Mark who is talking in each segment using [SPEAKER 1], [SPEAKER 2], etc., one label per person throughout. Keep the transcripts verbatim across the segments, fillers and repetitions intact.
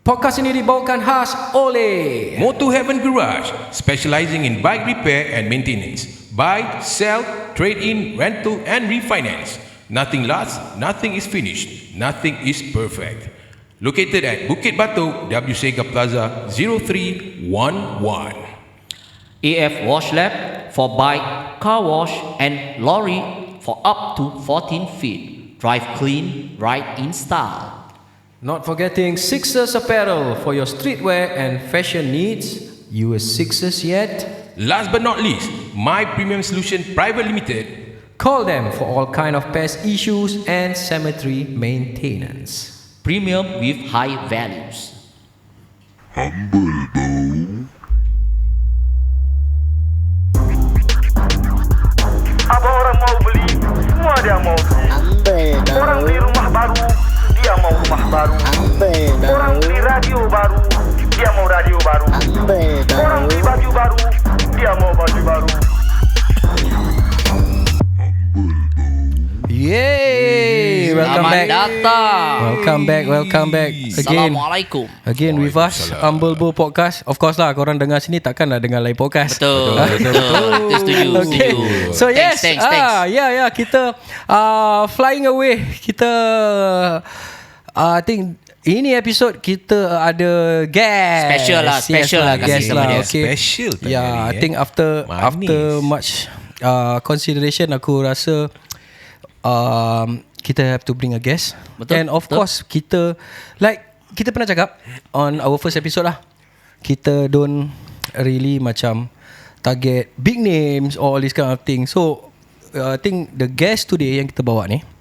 [SPEAKER 1] Podcast ini dibawakan khas oleh
[SPEAKER 2] Motor Heaven Garage, specializing in bike repair and maintenance. Buy, sell, trade-in, rental and refinance. Nothing lasts, nothing is finished, nothing is perfect. Located at Bukit Batok, W Sega Plaza, zero three one one.
[SPEAKER 3] A F Wash Lab for bike, car wash and lorry for up to fourteen feet. Drive clean, ride in style.
[SPEAKER 1] Not forgetting Sixers Apparel for your streetwear and fashion needs. You a Sixers yet?
[SPEAKER 2] Last but not least, My Premium Solution Private Limited.
[SPEAKER 1] Call them for all kind of pest issues and cemetery maintenance.
[SPEAKER 3] Premium with high values.
[SPEAKER 4] Humble Bow.
[SPEAKER 5] Apa orang mau beli, semua dia mau beli.
[SPEAKER 6] Humble Bow.
[SPEAKER 5] Orang beli rumah baru, dia mau rumah baru.
[SPEAKER 6] Humble Bow.
[SPEAKER 5] Orang beli radio baru, dia mau radio baru.
[SPEAKER 6] Humble Bow.
[SPEAKER 5] Orang beli baju baru, dia mau baju baru.
[SPEAKER 1] Yay! Welcome
[SPEAKER 3] Selamat
[SPEAKER 1] back.
[SPEAKER 3] datang.
[SPEAKER 1] Welcome back, welcome back again.
[SPEAKER 3] Assalamualaikum.
[SPEAKER 1] Again with us, Humble Bow Podcast. Of course lah, korang dengar sini takkan nak dengar lain podcast.
[SPEAKER 3] Betul, betul, betul. Setuju,
[SPEAKER 1] Okay.
[SPEAKER 3] setuju.
[SPEAKER 1] So yes,
[SPEAKER 3] Thanks, thanks,
[SPEAKER 1] ah,
[SPEAKER 3] thanks.
[SPEAKER 1] yeah, yeah, kita uh, flying away. Kita, uh, I think ini episod kita ada guest.
[SPEAKER 3] Special lah, special lah kasi
[SPEAKER 1] guest
[SPEAKER 3] sama
[SPEAKER 1] lah.
[SPEAKER 3] dia.
[SPEAKER 1] Okay.
[SPEAKER 2] Special tadi
[SPEAKER 1] Yeah,
[SPEAKER 2] ni,
[SPEAKER 1] I
[SPEAKER 2] eh.
[SPEAKER 1] think after
[SPEAKER 2] Manis.
[SPEAKER 1] after much uh, consideration, aku rasa um, kita have to bring a guest.
[SPEAKER 3] Betul,
[SPEAKER 1] And of
[SPEAKER 3] betul.
[SPEAKER 1] course kita, like kita pernah cakap on our first episode lah, kita don't really macam target big names or all this kind of thing. So uh, I think the guest today yang kita bawa ni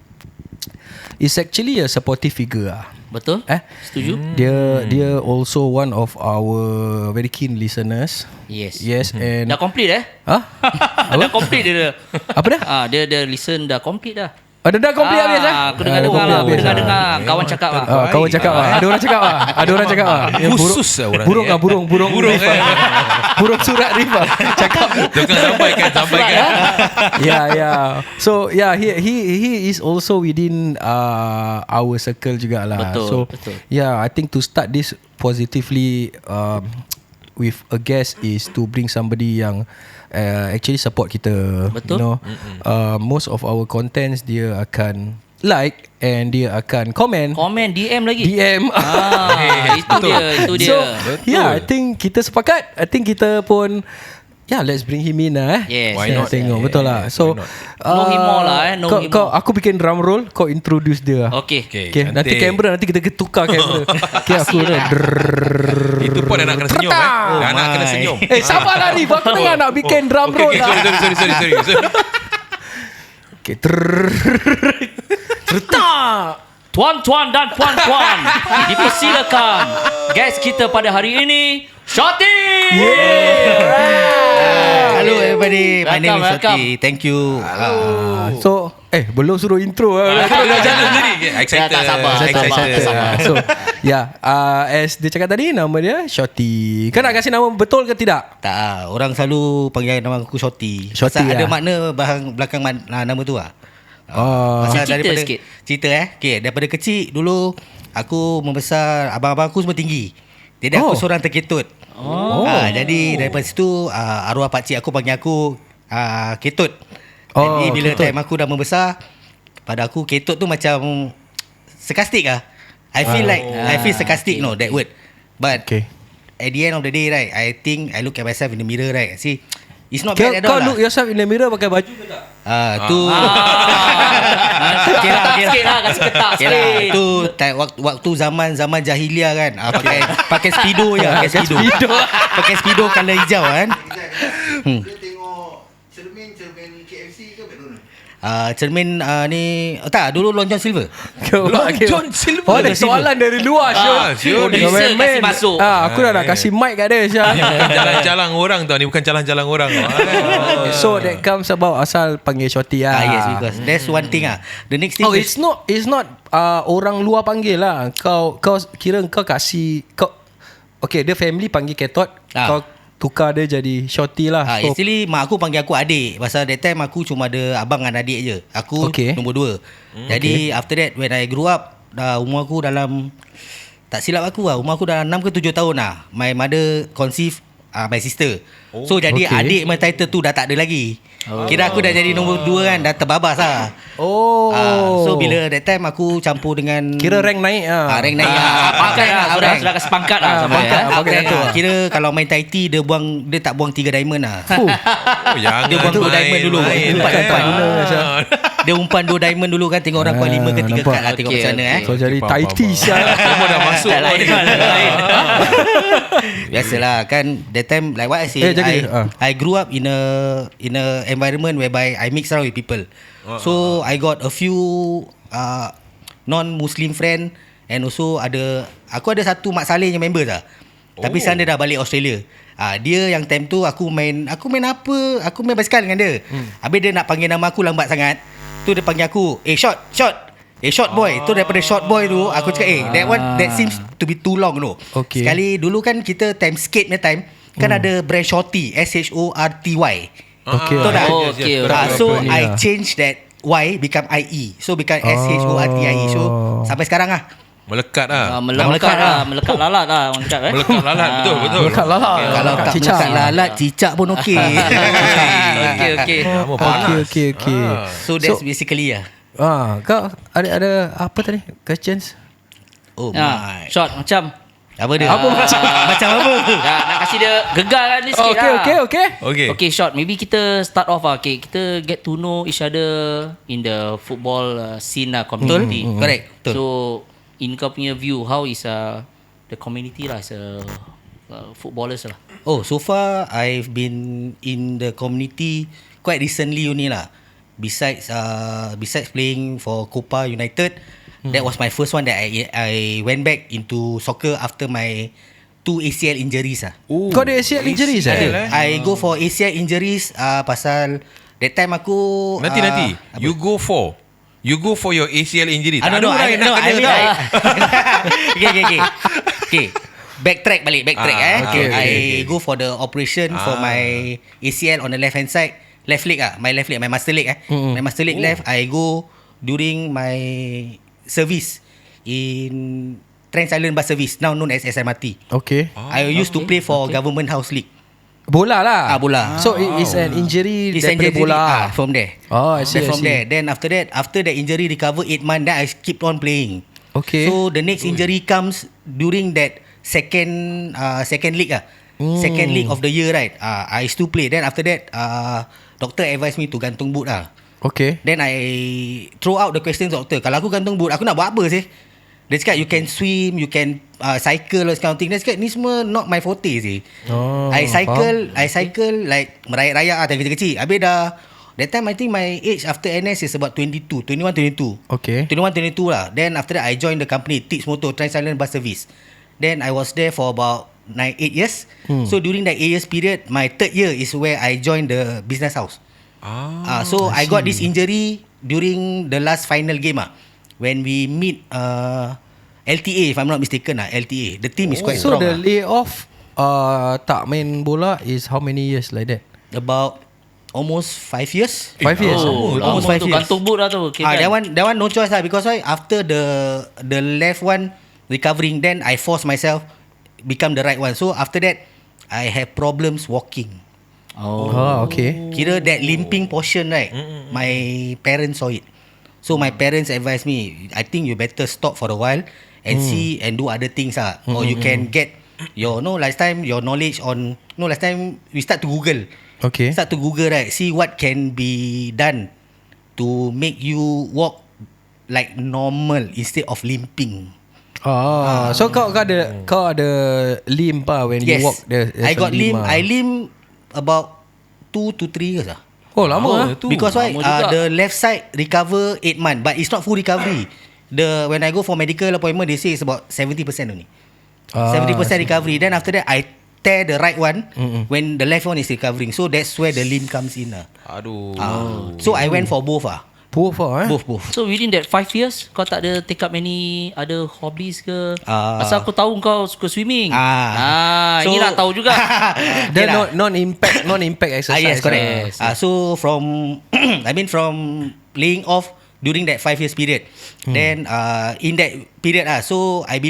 [SPEAKER 1] is actually a supportive figure lah.
[SPEAKER 3] Betul?
[SPEAKER 1] Eh?
[SPEAKER 3] Setuju?
[SPEAKER 1] Dia dia also one of our very keen listeners.
[SPEAKER 3] Yes.
[SPEAKER 1] Yes, and
[SPEAKER 3] Dah complete eh?
[SPEAKER 1] Hah?
[SPEAKER 3] Dah complete dia. dah.
[SPEAKER 1] Apa dah?
[SPEAKER 3] Ah, dia dia listen dah complete dah.
[SPEAKER 1] Ada dah complete habis eh?
[SPEAKER 3] Aku dengar-dengar lah, aku dengar-dengar kawan cakap lah.
[SPEAKER 1] Ah, kawan cakap lah. Ada orang cakap lah. Ada orang cakap lah. Yang burung-
[SPEAKER 2] Khusus lah orang
[SPEAKER 1] Burung
[SPEAKER 2] ni,
[SPEAKER 1] lah,
[SPEAKER 2] eh.
[SPEAKER 1] burung, burung,
[SPEAKER 2] Burung,
[SPEAKER 1] Rifah.
[SPEAKER 2] eh.
[SPEAKER 1] Burung surat Rifah. Cakap.
[SPEAKER 2] Jangan sampaikan, sampaikan.
[SPEAKER 1] Yeah, yeah. So yeah, he he he is also within uh, our circle jugalah.
[SPEAKER 3] Betul,
[SPEAKER 1] So
[SPEAKER 3] betul.
[SPEAKER 1] yeah, I think to start this positively um, with a guest is to bring somebody yang uh, actually support kita.
[SPEAKER 3] Betul.
[SPEAKER 1] You know, uh, most of our contents dia akan like and dia akan comment.
[SPEAKER 3] Komen D M lagi.
[SPEAKER 1] D M.
[SPEAKER 3] Ah, itu dia, itu dia.
[SPEAKER 1] So yeah, I think kita sepakat. I think kita pun, yeah, let's bring him in lah eh.
[SPEAKER 3] Yes.
[SPEAKER 2] Why
[SPEAKER 1] Saya
[SPEAKER 2] not?
[SPEAKER 1] tengok
[SPEAKER 2] Yeah,
[SPEAKER 1] betul
[SPEAKER 2] yeah,
[SPEAKER 1] lah.
[SPEAKER 2] yeah.
[SPEAKER 1] So
[SPEAKER 2] Why not?
[SPEAKER 3] Know him more lah, eh. Know
[SPEAKER 1] kau,
[SPEAKER 3] him
[SPEAKER 1] kau,
[SPEAKER 3] more.
[SPEAKER 1] aku bikin drum roll, kau introduce dia.
[SPEAKER 3] Okay.
[SPEAKER 2] Okay,
[SPEAKER 1] Okay, nanti
[SPEAKER 2] cantik.
[SPEAKER 1] kamera nanti kita tukar kamera. Okay, aku dah.
[SPEAKER 2] Itu pun dah nak kena senyum eh. Dah nak kena senyum.
[SPEAKER 1] Eh, sabarlah ni. Aku tengah nak bikin drum
[SPEAKER 2] Okay,
[SPEAKER 1] roll
[SPEAKER 2] okay,
[SPEAKER 1] lah.
[SPEAKER 2] sorry, sorry, sorry, sorry, sorry.
[SPEAKER 1] Okay. Tertak.
[SPEAKER 3] Tuan-tuan dan puan-puan, dipersilakan guest kita pada hari ini, Shorty.
[SPEAKER 7] Hello everybody, my name is
[SPEAKER 3] Welcome,
[SPEAKER 7] Shoti. Thank you.
[SPEAKER 1] Ah, so, eh, belum suruh intro lah.
[SPEAKER 2] Dah jalan tadi. Excited.
[SPEAKER 3] Tak sabar, tak
[SPEAKER 2] Excited.
[SPEAKER 3] sabar, tak sabar.
[SPEAKER 1] So, yeah, uh, as dia cakap tadi, nama dia Shorty. Kau nak kasih nama betul ke tidak?
[SPEAKER 7] Tak, ah, orang selalu panggil nama aku Shoti.
[SPEAKER 1] Shorty
[SPEAKER 7] Pasal ada
[SPEAKER 1] lah.
[SPEAKER 7] makna bahang belakang man, ah, nama tu lah.
[SPEAKER 1] Oh.
[SPEAKER 7] Pasal
[SPEAKER 3] Cerita
[SPEAKER 7] daripada
[SPEAKER 3] sikit.
[SPEAKER 7] cerita eh. Okay, daripada kecil dulu aku membesar, abang-abang aku semua tinggi. Jadi
[SPEAKER 1] Oh.
[SPEAKER 7] aku seorang terketut.
[SPEAKER 1] Oh.
[SPEAKER 7] Ah, jadi daripada situ ah, arwah pakcik aku panggil aku ah, ketut.
[SPEAKER 1] Oh,
[SPEAKER 7] Jadi bila
[SPEAKER 1] ketut.
[SPEAKER 7] time aku dah membesar, pada aku ketut tu macam sarcastic ah. I feel like I feel sarcastic no that word. But
[SPEAKER 1] Okay.
[SPEAKER 7] at the end of the day right, I think I look at myself in the mirror right. See, it's not
[SPEAKER 1] Kau,
[SPEAKER 7] bad at
[SPEAKER 1] kau
[SPEAKER 7] all
[SPEAKER 1] look
[SPEAKER 7] lah.
[SPEAKER 1] yourself in the mirror pakai baju ke tak?
[SPEAKER 7] Ah, tu
[SPEAKER 3] Ah,
[SPEAKER 7] Okay lah, okay lah.
[SPEAKER 3] sikit lah, kasih ketak
[SPEAKER 7] Okay lah,
[SPEAKER 3] sikit.
[SPEAKER 7] tu time, waktu, waktu zaman zaman jahiliah kan. Ah, pakai pakai speedo je, pakai speedo.
[SPEAKER 1] speedo.
[SPEAKER 7] pakai speedo color hijau kan. Hmm.
[SPEAKER 4] Dia tengok cermin-cermin K F C ke McDonald?
[SPEAKER 7] Ah, cermin ah, ni oh, tak, dulu Long John Silver.
[SPEAKER 1] Long
[SPEAKER 2] John Silver.
[SPEAKER 1] Oh, ada soalan dari luar, Syul.
[SPEAKER 2] Ah, Syul.
[SPEAKER 1] Kau
[SPEAKER 3] Producer
[SPEAKER 1] main-main.
[SPEAKER 3] kasih masuk.
[SPEAKER 1] Ah, aku dah nak kasih mic kat dia, Syul.
[SPEAKER 2] Bukan jalan-jalan orang tau. Ni bukan jalan-jalan orang.
[SPEAKER 1] So that comes about asal panggil Shorty lah.
[SPEAKER 7] Ah, yes, because that's one thing ah. The next thing
[SPEAKER 1] Oh,
[SPEAKER 7] is
[SPEAKER 1] it's not it's not uh, orang luar panggil lah. Kau kau kira kau kasih kau okay, dia family panggil Ketot,
[SPEAKER 7] Ah.
[SPEAKER 1] kau tukar dia jadi Shorty lah.
[SPEAKER 7] Ah,
[SPEAKER 1] So,
[SPEAKER 7] actually mak aku panggil aku adik. Pasal that time aku cuma ada abang dan adik je. Aku
[SPEAKER 1] Okay.
[SPEAKER 7] nombor dua. Hmm, Jadi after that when I grew up, dah umur aku dalam tak silap aku lah, umur aku dah enam ke tujuh tahun lah. My mother conceive uh, my sister. Oh, so jadi
[SPEAKER 1] okay.
[SPEAKER 7] adik my title tu dah tak ada lagi. Oh. Kira aku dah jadi nombor dua kan, dah terbabas lah.
[SPEAKER 1] Oh.
[SPEAKER 7] Uh, so bila that time aku campur dengan,
[SPEAKER 1] Kira rank naik ah.
[SPEAKER 7] uh, rank naik.
[SPEAKER 3] Ah,
[SPEAKER 7] uh,
[SPEAKER 3] pangkat lah, sudah, sudah kasi pangkat lah sampai
[SPEAKER 1] pangkat,
[SPEAKER 3] ya.
[SPEAKER 1] ah, pangkat
[SPEAKER 7] rank,
[SPEAKER 1] tu.
[SPEAKER 7] uh, Kira kalau main Tai Chi dia buang, dia tak buang tiga diamond lah.
[SPEAKER 1] Fuh.
[SPEAKER 2] Oh, jangan
[SPEAKER 7] Dia buang dua diamond dulu.
[SPEAKER 2] main,
[SPEAKER 7] Umpan,
[SPEAKER 2] main.
[SPEAKER 7] umpan.
[SPEAKER 2] Ah.
[SPEAKER 7] Dia umpan dua diamond dulu kan, tengok orang kuat
[SPEAKER 1] Ah,
[SPEAKER 7] lima ke tiga
[SPEAKER 1] nampak.
[SPEAKER 7] kad lah, tengok
[SPEAKER 3] Okay,
[SPEAKER 7] macam mana
[SPEAKER 3] okay.
[SPEAKER 7] eh.
[SPEAKER 1] So jadi
[SPEAKER 2] Faham,
[SPEAKER 1] Tai
[SPEAKER 2] faham,
[SPEAKER 1] Chi
[SPEAKER 2] faham.
[SPEAKER 1] sial.
[SPEAKER 2] Semua dah masuk.
[SPEAKER 3] Dah lain, dah lain.
[SPEAKER 7] Biasalah kan, that time like what I say,
[SPEAKER 1] Eh, jaga
[SPEAKER 7] I,
[SPEAKER 1] dia. Ah.
[SPEAKER 7] I grew up in a in a environment whereby I mix around with people. So I got a few uh, non-Muslim friend, and also ada, aku ada satu Mak Saleh yang member lah. Tapi
[SPEAKER 2] Oh.
[SPEAKER 7] sekarang dia dah balik Australia. Ah, dia yang time tu aku main, aku main apa? Aku main basikal dengan dia. Hmm. Habis dia nak panggil nama aku lambat sangat. Tu dia panggil aku, "Eh short, short." Eh short boy. Tu daripada short boy tu aku cakap, "Eh, that one that seems to be too long tu."
[SPEAKER 1] Okay.
[SPEAKER 7] Sekali dulu kan kita time skate punya time kan ada brand Shorty, S H O R T Y.
[SPEAKER 1] Okay.
[SPEAKER 7] Betul tak?
[SPEAKER 3] Oh, okay,
[SPEAKER 7] Ah,
[SPEAKER 3] okay.
[SPEAKER 7] so
[SPEAKER 1] Apa ni
[SPEAKER 7] I
[SPEAKER 1] lah.
[SPEAKER 7] change that Y become I E. So become S H O R T I E. So sampai sekarang lah.
[SPEAKER 2] Melekat lah.
[SPEAKER 3] Ah, melekat lah, melekat lalat lah orang cakap eh.
[SPEAKER 2] Melekat lalat, betul, betul.
[SPEAKER 1] Melekat lalat.
[SPEAKER 7] Kalau
[SPEAKER 1] Melekat
[SPEAKER 7] tak
[SPEAKER 1] cicak.
[SPEAKER 7] melekat lalat, cicak pun okey.
[SPEAKER 3] Okey okey.
[SPEAKER 2] Lama
[SPEAKER 1] Okay,
[SPEAKER 2] panas.
[SPEAKER 1] okay, okay.
[SPEAKER 2] Ah.
[SPEAKER 7] So that's
[SPEAKER 1] So-
[SPEAKER 7] basically lah.
[SPEAKER 1] Ah, kau ada ada apa tadi? Questions?
[SPEAKER 7] Oh
[SPEAKER 3] Ha,
[SPEAKER 7] my.
[SPEAKER 3] short macam
[SPEAKER 7] Apa dia?
[SPEAKER 3] Apa macam?
[SPEAKER 7] Macam apa?
[SPEAKER 3] ya, nak kasih dia gegar kan ni sikit
[SPEAKER 1] Okay,
[SPEAKER 3] lah.
[SPEAKER 1] okay, okay.
[SPEAKER 2] Okay.
[SPEAKER 3] Okay, short. Maybe kita start off lah. Okay, kita get to know each other in the football uh, scene lah, community.
[SPEAKER 7] Betul. Correct. Betul.
[SPEAKER 3] So, in kau punya view, how is uh, the community lah as a uh, footballers lah?
[SPEAKER 7] Oh, so far I've been in the community quite recently only lah. Besides uh, besides playing for Copa United, hmm. that was my first one that I I went back into soccer after my two A C L injuries ah.
[SPEAKER 2] Oh,
[SPEAKER 1] Kau ada A C L injuries
[SPEAKER 2] A C L,
[SPEAKER 1] eh?
[SPEAKER 7] I go for A C L injuries uh, pasal that time aku
[SPEAKER 2] Nanti
[SPEAKER 7] uh,
[SPEAKER 2] nanti
[SPEAKER 7] apa?
[SPEAKER 2] you go for you go for your A C L injury.
[SPEAKER 7] Ah, no,
[SPEAKER 2] Tak ada
[SPEAKER 7] no,
[SPEAKER 2] orang
[SPEAKER 7] I,
[SPEAKER 2] yang
[SPEAKER 7] no,
[SPEAKER 2] nak
[SPEAKER 7] I
[SPEAKER 2] kena
[SPEAKER 7] mean
[SPEAKER 2] tau.
[SPEAKER 7] I, okay, okay, okay. Okay. Backtrack balik, backtrack
[SPEAKER 2] Ah,
[SPEAKER 7] eh.
[SPEAKER 2] okay,
[SPEAKER 7] Okay,
[SPEAKER 2] okay,
[SPEAKER 7] I
[SPEAKER 2] okay.
[SPEAKER 7] go for the operation for
[SPEAKER 2] Ah.
[SPEAKER 7] my A C L on the left hand side, left leg ah, my left leg, my master leg eh.
[SPEAKER 1] Mm-mm.
[SPEAKER 7] My master leg
[SPEAKER 2] Oh.
[SPEAKER 7] left, I go during my service in Trans Island Bus Service, now known as S M R T.
[SPEAKER 1] Okay.
[SPEAKER 7] I used to play for Government House League.
[SPEAKER 1] Bola lah.
[SPEAKER 7] Ah, bola.
[SPEAKER 1] So it is an injury
[SPEAKER 7] It's
[SPEAKER 1] daripada
[SPEAKER 7] injury,
[SPEAKER 1] bola.
[SPEAKER 7] ah, from there.
[SPEAKER 1] Oh, I see,
[SPEAKER 7] Then
[SPEAKER 1] I
[SPEAKER 7] from
[SPEAKER 1] see.
[SPEAKER 7] there. Then after that, after that injury recover eight months, then I keep on playing.
[SPEAKER 1] Okay.
[SPEAKER 7] So the next injury comes during that second uh, second league ah.
[SPEAKER 1] Hmm.
[SPEAKER 7] Second league of the year, right? Uh, I still play. Then after that, uh, doctor advised me to gantung boot ah.
[SPEAKER 1] Okay.
[SPEAKER 7] Then I throw out the question to doctor. Kalau aku gantung boot, aku nak buat apa sih? Dia cakap you can swim, you can uh, cycle, all this kind of thing. Dia cakap ni semua not my forte sih.
[SPEAKER 1] Oh,
[SPEAKER 7] I cycle, I cycle like merayap-rayap ah, time kecil-kecil. Habis dah, that time I think my age after N S is about twenty-two, twenty-one, twenty-two.
[SPEAKER 1] Okay.
[SPEAKER 7] twenty-one, twenty-two lah. Then after that I joined the company Teach Motor Trans Island Bus Service. Then I was there for about nine, eight years.
[SPEAKER 1] Hmm.
[SPEAKER 7] So during that eight years period, my third year is where I joined the business house. Ah, uh, so I, I got this injury during the last final game ah, when we meet uh, L T A, if I'm not mistaken ah, L T A. The team is quite
[SPEAKER 1] So
[SPEAKER 7] strong.
[SPEAKER 1] the
[SPEAKER 7] ah.
[SPEAKER 1] layoff uh, tak main bola is how many years like that?
[SPEAKER 7] About almost five years.
[SPEAKER 1] Five years.
[SPEAKER 3] Oh,
[SPEAKER 7] almost
[SPEAKER 3] lama
[SPEAKER 7] five
[SPEAKER 3] tu
[SPEAKER 7] years.
[SPEAKER 3] gantung boot lah tu. Okay,
[SPEAKER 7] Ah,
[SPEAKER 3] kan?
[SPEAKER 7] that one, that one no choice lah, because why? After the the left one recovering, then I force myself become the right one. So after that, I have problems walking.
[SPEAKER 3] Oh.
[SPEAKER 1] Oh, okay.
[SPEAKER 7] Kira that limping portion, right? My parents saw it. So my parents advised me, I think you better stop for a while and see and do other things ah. Or you can get your no last time your knowledge on no last time we start to Google.
[SPEAKER 1] Okay.
[SPEAKER 7] Start to Google, right? See what can be done to make you walk like normal instead of limping.
[SPEAKER 1] Ah, so kau kau ada kau ada limp ah when you
[SPEAKER 7] Yes.
[SPEAKER 1] walk there.
[SPEAKER 7] I got limp.
[SPEAKER 1] ah.
[SPEAKER 7] I limp about two to three years ah.
[SPEAKER 1] Oh, lama ah.
[SPEAKER 2] Tu.
[SPEAKER 7] Because why?
[SPEAKER 3] lama
[SPEAKER 7] Uh,
[SPEAKER 3] juga.
[SPEAKER 7] the left side recover eight months, but it's not full recovery. The when I go for medical appointment, they say it's about seventy percent only.
[SPEAKER 1] Ah,
[SPEAKER 7] Seventy percent
[SPEAKER 1] I see.
[SPEAKER 7] recovery. Then after that, I tear the right one
[SPEAKER 1] Mm-mm.
[SPEAKER 7] when the left one is recovering. So that's where the limb comes in ah.
[SPEAKER 2] Aduh.
[SPEAKER 7] Ah. So I went for both ah.
[SPEAKER 1] Both ah, eh?
[SPEAKER 7] Both both.
[SPEAKER 3] So within that five years, kau tak ada take up any other hobbies ke?
[SPEAKER 7] Ah.
[SPEAKER 3] Pasal aku tahu kau suka swimming.
[SPEAKER 7] Ah.
[SPEAKER 3] ah ini nak tahu juga.
[SPEAKER 1] Dia
[SPEAKER 7] Okay lah.
[SPEAKER 1] non non impact non impact
[SPEAKER 7] Ah,
[SPEAKER 1] exercise.
[SPEAKER 7] yes, correct.
[SPEAKER 3] Yes,
[SPEAKER 7] Ah, so from I mean from laying off during that five years period, then uh, in that period ah, so I believe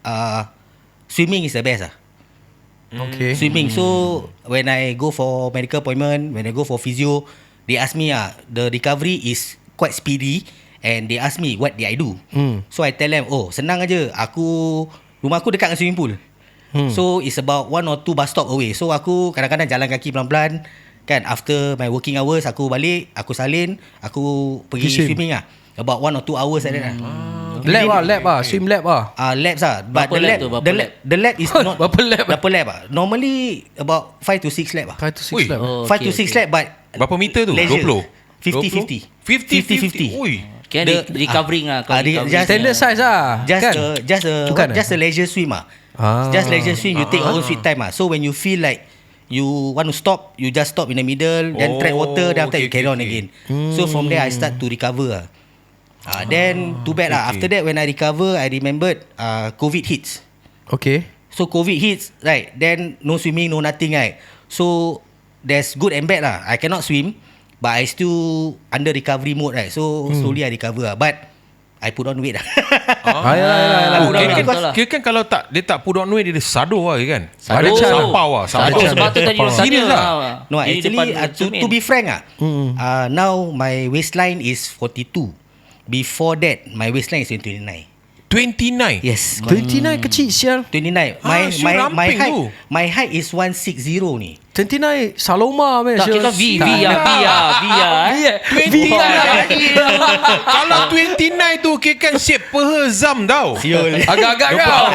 [SPEAKER 7] uh, swimming is the best lah.
[SPEAKER 1] Okay.
[SPEAKER 7] Swimming. So when I go for medical appointment, when I go for physio, they ask me ah, the recovery is quite speedy, and they ask me what did I do.
[SPEAKER 1] Hmm.
[SPEAKER 7] So I tell them, oh senang aja. Aku rumah aku dekat dengan swimming pool. Hmm. So it's about one or two bus stop away. So aku kadang-kadang jalan kaki pelan-pelan. Kan after my working hours, aku balik, aku salin, aku pergi
[SPEAKER 1] Swim.
[SPEAKER 7] swimming lah. About one or two hours like that lah.
[SPEAKER 1] Lab lah, lab lah, swim lab lah.
[SPEAKER 7] Ah, uh, labs lah. But
[SPEAKER 3] Berapa
[SPEAKER 7] the
[SPEAKER 3] lab
[SPEAKER 7] lab,
[SPEAKER 3] tu? Berapa
[SPEAKER 7] the
[SPEAKER 3] lab?
[SPEAKER 7] lab, the lab is not
[SPEAKER 1] Berapa lab?
[SPEAKER 7] Berapa lab ah? Normally about five to six lab ah.
[SPEAKER 1] Five to six
[SPEAKER 2] Ui.
[SPEAKER 1] lab.
[SPEAKER 3] Oh,
[SPEAKER 7] Five
[SPEAKER 3] okay,
[SPEAKER 7] to six
[SPEAKER 3] okay.
[SPEAKER 7] lab, but
[SPEAKER 2] Berapa meter tu?
[SPEAKER 7] leisure.
[SPEAKER 2] dua puluh?
[SPEAKER 7] fifty fifty.
[SPEAKER 2] fifty fifty. Ui.
[SPEAKER 3] Kan
[SPEAKER 7] The-
[SPEAKER 3] the, recovering lah.
[SPEAKER 7] ah, re- just-
[SPEAKER 1] Standard size lah.
[SPEAKER 7] Just
[SPEAKER 1] kan?
[SPEAKER 7] a just a
[SPEAKER 1] Bukan
[SPEAKER 7] just a leisure swim ah.
[SPEAKER 1] Ah.
[SPEAKER 7] Just leisure swim. You take your own sweet time ah. So when you feel like you want to stop, you just stop in the middle, then
[SPEAKER 2] Oh,
[SPEAKER 7] tread water, then after
[SPEAKER 2] okay,
[SPEAKER 7] you carry
[SPEAKER 2] okay,
[SPEAKER 7] on
[SPEAKER 2] okay.
[SPEAKER 7] again. So from there I start to recover ah. Ah, then too bad lah.
[SPEAKER 2] okay.
[SPEAKER 7] After that when I recover, I remembered uh, COVID hits.
[SPEAKER 1] Okay.
[SPEAKER 7] So COVID hits, right? Then no swimming, no nothing, right? So there's good and bad lah. I cannot swim, but I still under recovery mode, right? So
[SPEAKER 1] Hmm.
[SPEAKER 7] slowly I recover lah. But I put on weight lah.
[SPEAKER 1] Ah, yalah, yalah, yalah.
[SPEAKER 2] Oh,
[SPEAKER 3] Betul
[SPEAKER 2] kira,
[SPEAKER 3] lah,
[SPEAKER 2] kan,
[SPEAKER 3] betul lah.
[SPEAKER 2] kira kan kalau tak dia tak put on weight, dia sadur lah kan.
[SPEAKER 1] Ada
[SPEAKER 3] Sadur.
[SPEAKER 1] cara.
[SPEAKER 2] Sampau lah,
[SPEAKER 3] Sadur.
[SPEAKER 2] sampau.
[SPEAKER 3] Sebab tu tadi orang tanya
[SPEAKER 2] Serius lah?
[SPEAKER 3] lah.
[SPEAKER 7] No,
[SPEAKER 3] Di
[SPEAKER 7] actually
[SPEAKER 3] depan
[SPEAKER 7] uh, to,
[SPEAKER 3] cermin.
[SPEAKER 7] to be frank ah, uh, now my waistline is forty-two. Before that, my waistline is twenty-nine.
[SPEAKER 2] twenty-nine.
[SPEAKER 7] Yes,
[SPEAKER 1] twenty-nine kecil sial.
[SPEAKER 7] twenty-nine.
[SPEAKER 2] Ah,
[SPEAKER 7] My
[SPEAKER 2] so
[SPEAKER 7] my my
[SPEAKER 2] ramping
[SPEAKER 7] height
[SPEAKER 2] tu.
[SPEAKER 7] my height is one sixty ni.
[SPEAKER 1] twenty-nine Saloma man.
[SPEAKER 3] Tak, kita V, V lah, V lah, V lah. eh.
[SPEAKER 2] twenty-nine. Kalau twenty-nine tu kira kan shape peha Zam tau.
[SPEAKER 7] Siul.
[SPEAKER 1] Agak-agak kau.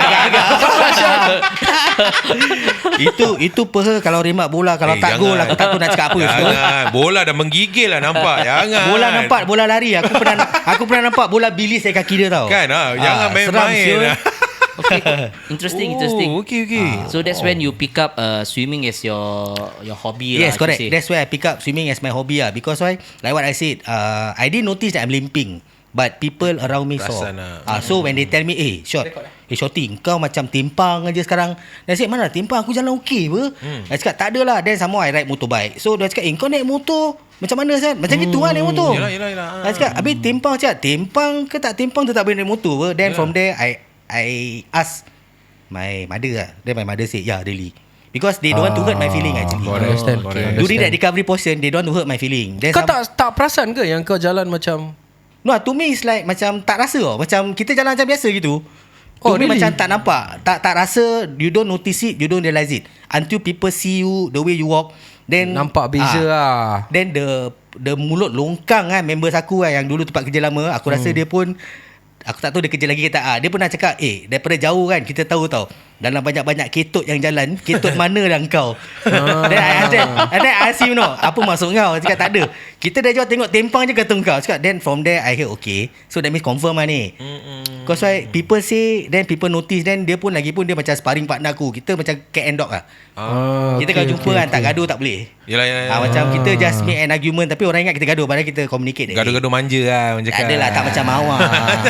[SPEAKER 7] itu itu peha kalau remat bola, kalau
[SPEAKER 2] Eh,
[SPEAKER 7] tak gol
[SPEAKER 2] jangan.
[SPEAKER 7] aku tak tahu nak cakap apa.
[SPEAKER 2] Jangan. Bola dah menggigil lah nampak. Jangan.
[SPEAKER 7] Bola nampak bola lari. Aku pernah aku pernah nampak bola bilis dekat kaki dia tau.
[SPEAKER 2] Kan ah, jangan
[SPEAKER 7] Ah,
[SPEAKER 2] main-main.
[SPEAKER 7] seram,
[SPEAKER 2] lah.
[SPEAKER 3] Okay. Interesting, interesting.
[SPEAKER 2] Oh, okay, okay.
[SPEAKER 3] So that's when you pick up uh, swimming as your your hobby
[SPEAKER 7] Yes,
[SPEAKER 3] lah.
[SPEAKER 7] correct.
[SPEAKER 3] I should say.
[SPEAKER 7] That's why I pick up swimming as my hobby ah. Because why? Like what I said, uh, I didn't notice that I'm limping, but people around me saw.
[SPEAKER 2] Perasan lah.
[SPEAKER 7] Ah, so when they tell me, eh, short, eh, shorty, kau macam timpang aja sekarang. Dan saya mana timpang, aku jalan okey apa? Hmm. I cakap tak ada lah. Then some more I ride motorbike. So dia cakap, eh, kau naik motor macam mana San? Macam gitu lah naik motor.
[SPEAKER 2] Yelah, yelah, yelah.
[SPEAKER 7] I cakap, habis timpang cakap, timpang ke tak timpang tu tak boleh naik motor apa? Then from there I I ask my mother lah. Then my mother said, yeah, really. Because they don't want to hurt my feeling actually.
[SPEAKER 2] Correct,
[SPEAKER 1] Understand.
[SPEAKER 2] correct.
[SPEAKER 7] During that recovery portion, they don't want to hurt my feeling. Then
[SPEAKER 1] Kau
[SPEAKER 7] some-
[SPEAKER 1] tak tak perasan ke yang kau jalan macam
[SPEAKER 7] No, to me it's like macam tak rasa tau. Macam kita jalan macam biasa gitu. To
[SPEAKER 1] Oh,
[SPEAKER 7] me
[SPEAKER 1] really?
[SPEAKER 7] macam tak nampak. Tak tak rasa, you don't notice it, you don't realize it. Until people see you, the way you walk. Then
[SPEAKER 1] nampak beza
[SPEAKER 7] ah,
[SPEAKER 1] lah.
[SPEAKER 7] Then the the mulut longkang kan members aku kan, yang dulu tempat kerja lama. Aku rasa
[SPEAKER 1] Hmm.
[SPEAKER 7] dia pun, aku tak tahu dia kerja lagi ke tak. Ah, dia pernah cakap, eh daripada jauh kan kita tahu tau, dalam banyak-banyak ketut yang jalan, ketut mana dah kau. Then I ask them, and then I ask him, no, apa maksud kau? Dia cakap tak ada. Kita dah jauh tengok tempang je kata kau. Cakap, then from there I heard okay. So that means confirm lah ni. Because why people say, then people notice, then dia pun lagi pun dia macam sparring partner aku. Kita macam cat and dog lah.
[SPEAKER 1] Ah,
[SPEAKER 7] Kita
[SPEAKER 1] okay,
[SPEAKER 7] kalau jumpa
[SPEAKER 1] okay,
[SPEAKER 7] kan tak
[SPEAKER 1] okay.
[SPEAKER 7] gaduh tak boleh.
[SPEAKER 2] Yelah, yelah, yelah.
[SPEAKER 7] Ah, macam kita just make an argument, tapi orang ingat kita gaduh, padahal kita communicate.
[SPEAKER 2] Gaduh-gaduh manja lah orang
[SPEAKER 7] Tak
[SPEAKER 2] cakap.
[SPEAKER 7] adalah, tak macam awak.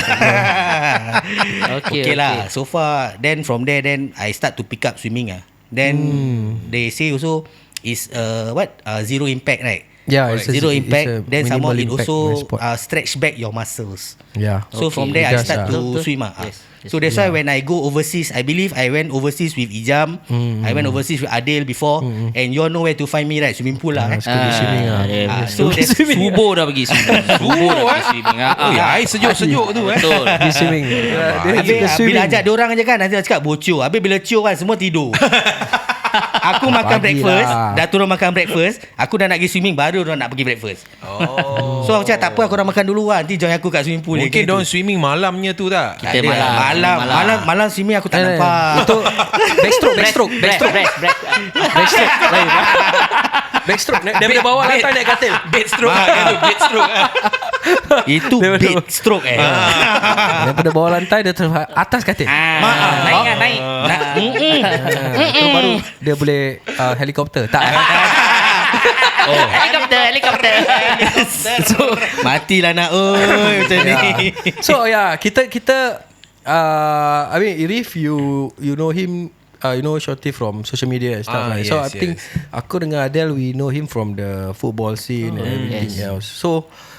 [SPEAKER 3] Okay,
[SPEAKER 7] okay lah.
[SPEAKER 3] okay.
[SPEAKER 7] So far, then from there, then I start to pick up swimming ah. Then they say also is uh, what uh, zero impact, right?
[SPEAKER 1] Yeah, it's a,
[SPEAKER 7] Zero
[SPEAKER 1] it's
[SPEAKER 7] impact.
[SPEAKER 1] a
[SPEAKER 7] Then some more it
[SPEAKER 1] minimal impact
[SPEAKER 7] also
[SPEAKER 1] sport.
[SPEAKER 7] uh, stretch back your muscles.
[SPEAKER 1] Yeah.
[SPEAKER 7] So
[SPEAKER 3] Okay.
[SPEAKER 7] from there
[SPEAKER 1] It
[SPEAKER 7] I
[SPEAKER 1] does
[SPEAKER 7] start
[SPEAKER 1] lah.
[SPEAKER 7] to
[SPEAKER 3] Betul, betul.
[SPEAKER 7] swim ah.
[SPEAKER 3] Yes, yes.
[SPEAKER 7] So that's why when I go overseas, I believe I went overseas with Ijam.
[SPEAKER 1] Mm.
[SPEAKER 7] I went overseas with Adil before, and you all know where to find me, right? Swimming pool lah.
[SPEAKER 1] Ah,
[SPEAKER 7] eh.
[SPEAKER 1] School swimming lah.
[SPEAKER 3] dia-
[SPEAKER 7] Ah,
[SPEAKER 3] dia-
[SPEAKER 7] so that's
[SPEAKER 3] Subuh dah pergi swimming. Subuh dah pergi swimming. Ah,
[SPEAKER 2] Oh, ya,
[SPEAKER 3] ah.
[SPEAKER 2] air sejuk-sejuk tu eh.
[SPEAKER 3] Betul.
[SPEAKER 1] Di swimming. Dia
[SPEAKER 7] Habis
[SPEAKER 1] suka
[SPEAKER 7] ah,
[SPEAKER 1] swimming.
[SPEAKER 7] bila ajak diorang je kan, nanti dia cakap bocor. Habis bila cium kan, semua tidur. Aku makan
[SPEAKER 1] Pagi
[SPEAKER 7] breakfast,
[SPEAKER 1] lah.
[SPEAKER 7] dah turun makan breakfast, aku dah nak pergi swimming, baru diorang nak pergi breakfast.
[SPEAKER 2] Oh.
[SPEAKER 7] So aku cakap tak apa, aku dah makan dulu lah, nanti join aku kat swimming pool.
[SPEAKER 2] Mungkin
[SPEAKER 7] Dia
[SPEAKER 2] diorang swimming malamnya tu tak?
[SPEAKER 7] Tak
[SPEAKER 3] Kita
[SPEAKER 7] ada.
[SPEAKER 3] malam.
[SPEAKER 7] Malam,
[SPEAKER 3] Malam.
[SPEAKER 7] malam, malam swimming aku tak
[SPEAKER 1] Eh,
[SPEAKER 7] nampak.
[SPEAKER 1] Itu backstroke, backstroke, backstroke,
[SPEAKER 3] Break, break, break.
[SPEAKER 1] backstroke. Lain. Backstroke. Daripada bawah lantai naik katil.
[SPEAKER 2] Bed stroke kan tu, bed stroke.
[SPEAKER 7] Itu
[SPEAKER 1] Dia
[SPEAKER 7] bed
[SPEAKER 1] betul.
[SPEAKER 7] stroke eh.
[SPEAKER 1] Daripada bawah lantai dia terus atas katil.
[SPEAKER 3] Ah,
[SPEAKER 7] Maaf.
[SPEAKER 3] naik kan, naik.
[SPEAKER 7] Nak, mm-mm.
[SPEAKER 1] Itu baru dia boleh uh, helikopter. Tak.
[SPEAKER 7] Oh.
[SPEAKER 3] Helikopter, helikopter.
[SPEAKER 1] So
[SPEAKER 7] Matilah nak oi macam ni.
[SPEAKER 1] So yeah, kita kita uh, I mean Irif, you you know him, uh, you know Shorty from social media and stuff
[SPEAKER 2] Ah,
[SPEAKER 1] like. So
[SPEAKER 2] yes,
[SPEAKER 1] I think
[SPEAKER 2] yes.
[SPEAKER 1] aku dengan Adele, we know him from the football scene and everything
[SPEAKER 3] yes.
[SPEAKER 1] else. So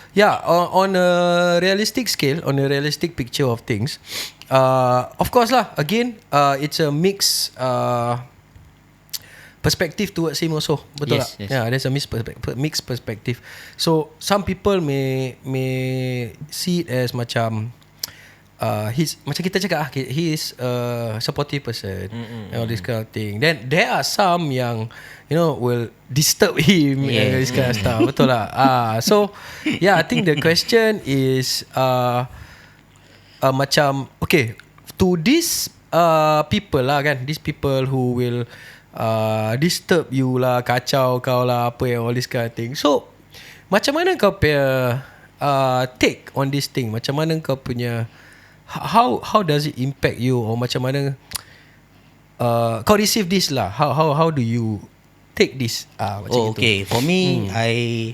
[SPEAKER 1] yeah, on, on a realistic scale, on a realistic picture of things, uh, of course lah, again, uh, it's a mix uh, perspective towards him also. Betul
[SPEAKER 3] Yes,
[SPEAKER 1] tak?
[SPEAKER 3] yes.
[SPEAKER 1] Yeah, there's a mixed perspective, mixed perspective. So some people may may see it as macam Uh, he's macam kita cakap ah, he is a supportive person, mm-hmm. and all this kind of thing. Then there are some yang you know will disturb him,
[SPEAKER 3] Yeah.
[SPEAKER 1] and this kind of stuff. Betul lah. Ah, so yeah, I think the question is uh, uh, macam okay, to these uh, people lah kan, these people who will uh, disturb you lah, kacau kau lah, apa yang all this kind of thing. So macam mana kau punya uh, take on this thing? Macam mana kau punya How how does it impact you, or macam mana uh, kau receive this lah? How how how do you take this? Ah, macam
[SPEAKER 7] Oh,
[SPEAKER 1] itu.
[SPEAKER 7] okay. For me, hmm. I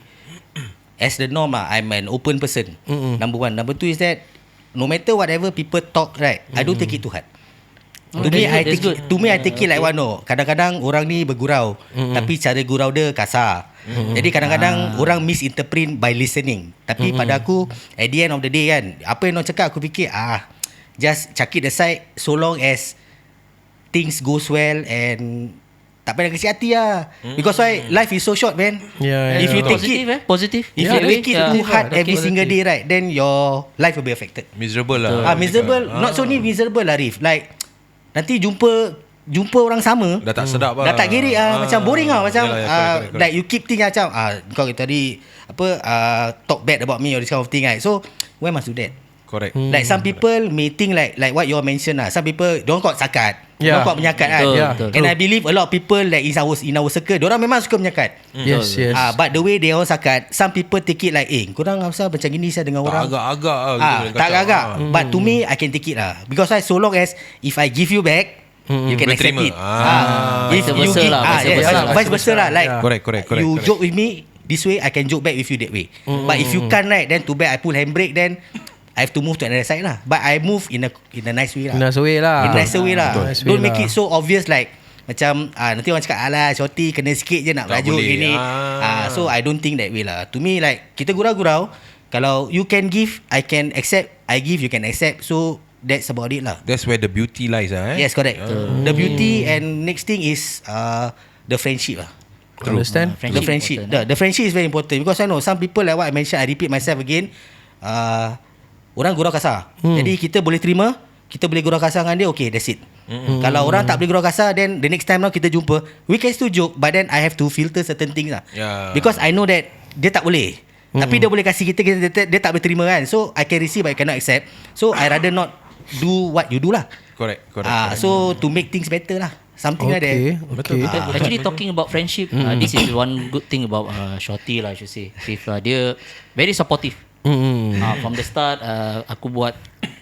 [SPEAKER 7] as the norm, ah, I'm an open person.
[SPEAKER 1] Mm-mm.
[SPEAKER 7] Number one. Number two is that no matter whatever people talk, right, I don't take it too hard.
[SPEAKER 3] Oh,
[SPEAKER 7] To me,
[SPEAKER 3] that's
[SPEAKER 7] I
[SPEAKER 3] good,
[SPEAKER 7] take
[SPEAKER 3] that's
[SPEAKER 7] it, to me I take it like what no. Kadang-kadang orang ni bergurau,
[SPEAKER 1] Mm-mm.
[SPEAKER 7] tapi cara gurau dia kasar. Mm-mm. Jadi kadang-kadang
[SPEAKER 3] Ah.
[SPEAKER 7] orang misinterpret by listening. Tapi
[SPEAKER 1] Mm-mm.
[SPEAKER 7] pada aku, at the end of the day kan, apa yang orang cakap aku fikir ah, just chuck it aside so long as things goes well and tak payah kecil hati lah. Because why life is so short, man.
[SPEAKER 1] Yeah,
[SPEAKER 7] If
[SPEAKER 1] yeah.
[SPEAKER 7] you take
[SPEAKER 3] Positive
[SPEAKER 7] it,
[SPEAKER 3] eh? Positive.
[SPEAKER 7] if
[SPEAKER 1] Yeah,
[SPEAKER 7] you
[SPEAKER 1] that's
[SPEAKER 7] take it
[SPEAKER 3] yeah.
[SPEAKER 7] too hard
[SPEAKER 1] that's
[SPEAKER 7] every
[SPEAKER 1] positive.
[SPEAKER 7] single day, right, then your life will be affected.
[SPEAKER 8] Miserable lah.
[SPEAKER 7] Ah, miserable, not so ni miserable lah, Rif. Like nanti jumpa jumpa orang sama,
[SPEAKER 8] Dah tak sedap lah.
[SPEAKER 7] dah tak gerik ah, macam boring ah, macam
[SPEAKER 8] Yalah, ya,
[SPEAKER 7] ah,
[SPEAKER 8] correct, correct, correct.
[SPEAKER 7] like you keep think macam ah kau tadi apa ah, talk bad about me or this kind of thing right. So why must do that?
[SPEAKER 8] Correct.
[SPEAKER 1] Hmm.
[SPEAKER 7] Like some people may think like like what you all mentioned lah. Some people don't call sakat.
[SPEAKER 1] Yeah.
[SPEAKER 7] Don't call menyakat kan.
[SPEAKER 3] Betul,
[SPEAKER 1] Yeah.
[SPEAKER 3] betul.
[SPEAKER 7] And I believe a lot of people like in our in our circle, diorang memang suka menyakat.
[SPEAKER 1] Yes, yes.
[SPEAKER 7] Ah, but the way they all sakat, some people take it like, eh, korang asal macam gini saya dengan
[SPEAKER 8] Tak
[SPEAKER 7] orang.
[SPEAKER 8] agak-agak lah.
[SPEAKER 7] Ah,
[SPEAKER 8] gitu,
[SPEAKER 7] tak
[SPEAKER 8] kacau.
[SPEAKER 7] agak.
[SPEAKER 8] Ah.
[SPEAKER 7] But to me, I can take it lah. Because I, so long as if I give you back, you can
[SPEAKER 8] Boleh
[SPEAKER 7] accept
[SPEAKER 8] terima.
[SPEAKER 7] it.
[SPEAKER 8] Ah.
[SPEAKER 7] If
[SPEAKER 3] Vice
[SPEAKER 7] you
[SPEAKER 3] versa
[SPEAKER 7] give,
[SPEAKER 3] lah,
[SPEAKER 7] ah,
[SPEAKER 3] vice
[SPEAKER 7] yes,
[SPEAKER 3] versa lah,
[SPEAKER 7] vice versa lah. Like
[SPEAKER 1] Yeah.
[SPEAKER 8] Correct, correct, correct,
[SPEAKER 7] you
[SPEAKER 8] correct.
[SPEAKER 7] joke with me this way, I can joke back with you that way. But if you can't, right, then too bad I pull handbrake, then I have to move to another side lah. But I move in a in a nice way lah.
[SPEAKER 1] Nice way lah.
[SPEAKER 7] In a nicer way lah.
[SPEAKER 1] Nice way
[SPEAKER 7] Don't make
[SPEAKER 1] lah.
[SPEAKER 7] it so obvious like macam ah, nanti orang cakap alah shorty kena sikit je nak
[SPEAKER 8] Tak
[SPEAKER 7] belajar
[SPEAKER 8] boleh.
[SPEAKER 7] gini.
[SPEAKER 8] Ah.
[SPEAKER 7] Ah, so I don't think that way lah. To me like kita gurau-gurau, kalau you can give, I can accept. I give, you can accept. So that's about it lah.
[SPEAKER 8] That's where the beauty lies lah eh.
[SPEAKER 7] Yes, correct. The beauty and next thing is uh, the friendship lah.
[SPEAKER 1] Understand?
[SPEAKER 7] The friendship.
[SPEAKER 3] important,
[SPEAKER 7] The, the friendship is very important because I know some people like what I mentioned, I repeat myself again. Uh, orang gurau kasar.
[SPEAKER 1] Hmm.
[SPEAKER 7] Jadi kita boleh terima, kita boleh gurau kasar dengan dia, okay, that's it. Hmm. Kalau orang tak boleh gurau kasar, then the next time now kita jumpa, we can still joke, but then I have to filter certain things lah.
[SPEAKER 8] Yeah.
[SPEAKER 7] Because I know that dia tak boleh. Hmm. Tapi dia boleh kasih kita, kita dia, dia tak boleh terima kan. So I can receive, but I cannot accept. So I rather not do what you do lah.
[SPEAKER 8] Correct, correct.
[SPEAKER 7] Ah,
[SPEAKER 8] correct.
[SPEAKER 7] so to make things better lah. Something like that.
[SPEAKER 1] Okay,
[SPEAKER 8] Betul,
[SPEAKER 1] okay.
[SPEAKER 8] betul.
[SPEAKER 3] Uh, actually talking about friendship, uh, this is one good thing about uh, Shorty lah, I should say. If uh, dia very supportive.
[SPEAKER 1] Mm.
[SPEAKER 3] Uh, from the start, uh, aku buat